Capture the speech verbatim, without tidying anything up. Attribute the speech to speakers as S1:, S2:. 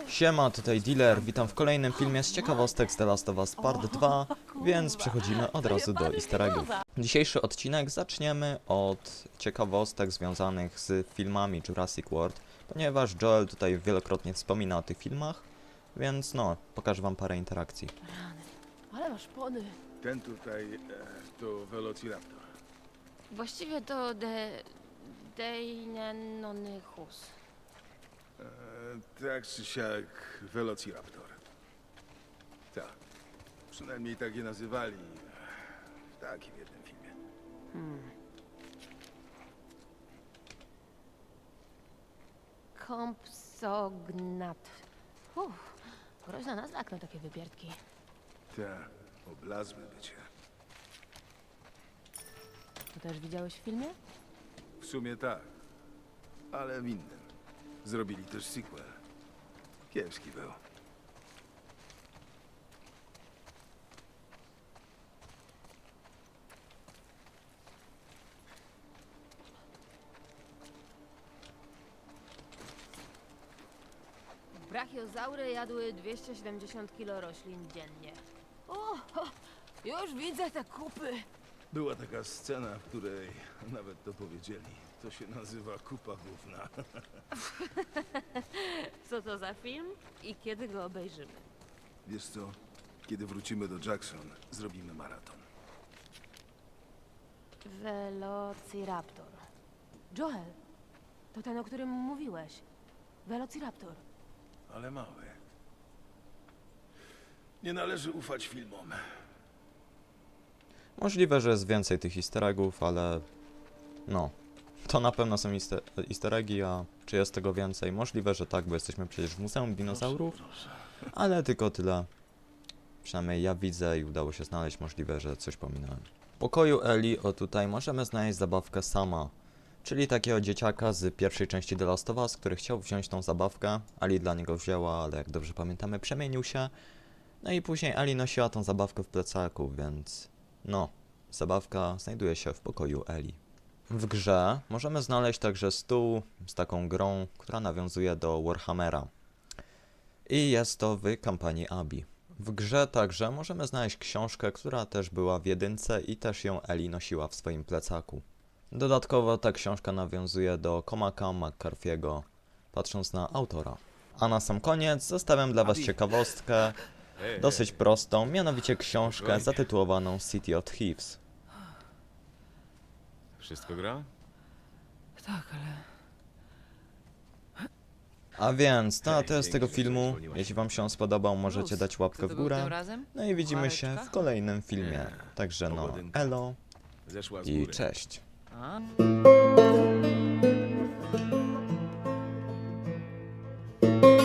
S1: Siema, tutaj Dealer, witam w kolejnym filmie z ciekawostek z The Last of Us Part dwa, więc przechodzimy od razu do easter eggów. Dzisiejszy odcinek zaczniemy od ciekawostek związanych z filmami Jurassic World, ponieważ Joel tutaj wielokrotnie wspomina o tych filmach, więc no, pokażę wam parę interakcji.
S2: Ale masz pony.
S3: Ten tutaj e, to Velociraptor.
S2: Właściwie to de... Deinenonychus.
S3: E, tak czy siak Velociraptor. Tak. Przynajmniej tak je nazywali w takim jednym filmie.
S2: Hmm. Compsognat. Uff, groźna nazwa jak na takie wypierdki.
S3: Tak, oblazłe bycie.
S2: To też widziałeś w filmie?
S3: W sumie tak, ale w innym. Zrobili też sequel. Kiepski był.
S2: Brachiozaury jadły dwieście siedemdziesiąt kilo roślin dziennie. O, o, już widzę te kupy.
S3: Była taka scena, w której nawet to powiedzieli. To się nazywa kupa gówna.
S2: Co to za film i kiedy go obejrzymy?
S3: Wiesz co? Kiedy wrócimy do Jackson, zrobimy maraton.
S2: Velociraptor. Joel, to ten, o którym mówiłeś. Velociraptor.
S3: Ale mały. Nie należy ufać filmom.
S1: Możliwe, że jest więcej tych easter eggów, ale no, to na pewno są easter, easter eggi, a czy jest tego więcej? Możliwe, że tak, bo jesteśmy przecież w Muzeum Dinozaurów, ale tylko tyle. Przynajmniej ja widzę i udało się znaleźć, możliwe, że coś pominąłem. W pokoju Eli, o tutaj, możemy znaleźć zabawkę Sama, czyli takiego dzieciaka z pierwszej części The Last of Us, który chciał wziąć tą zabawkę. Ali dla niego wzięła, ale jak dobrze pamiętamy, przemienił się. No i później Ali nosiła tą zabawkę w plecaku, więc no, zabawka znajduje się w pokoju Eli. W grze możemy znaleźć także stół z taką grą, która nawiązuje do Warhammera. I jest to w kampanii Abby. W grze także możemy znaleźć książkę, która też była w jedynce i też ją Eli nosiła w swoim plecaku. Dodatkowo ta książka nawiązuje do Cormaca McCarthy'ego, patrząc na autora. A na sam koniec zostawiam dla was ciekawostkę, dosyć prostą, mianowicie książkę zatytułowaną City of Thieves.
S3: Wszystko gra?
S2: Tak, ale...
S1: A więc to na tyle z tego filmu. Jeśli wam się on spodobał, możecie dać łapkę w górę. No i widzimy się w kolejnym filmie. Także no, elo
S3: Zeszła z
S1: i
S3: góry.
S1: cześć.
S2: A?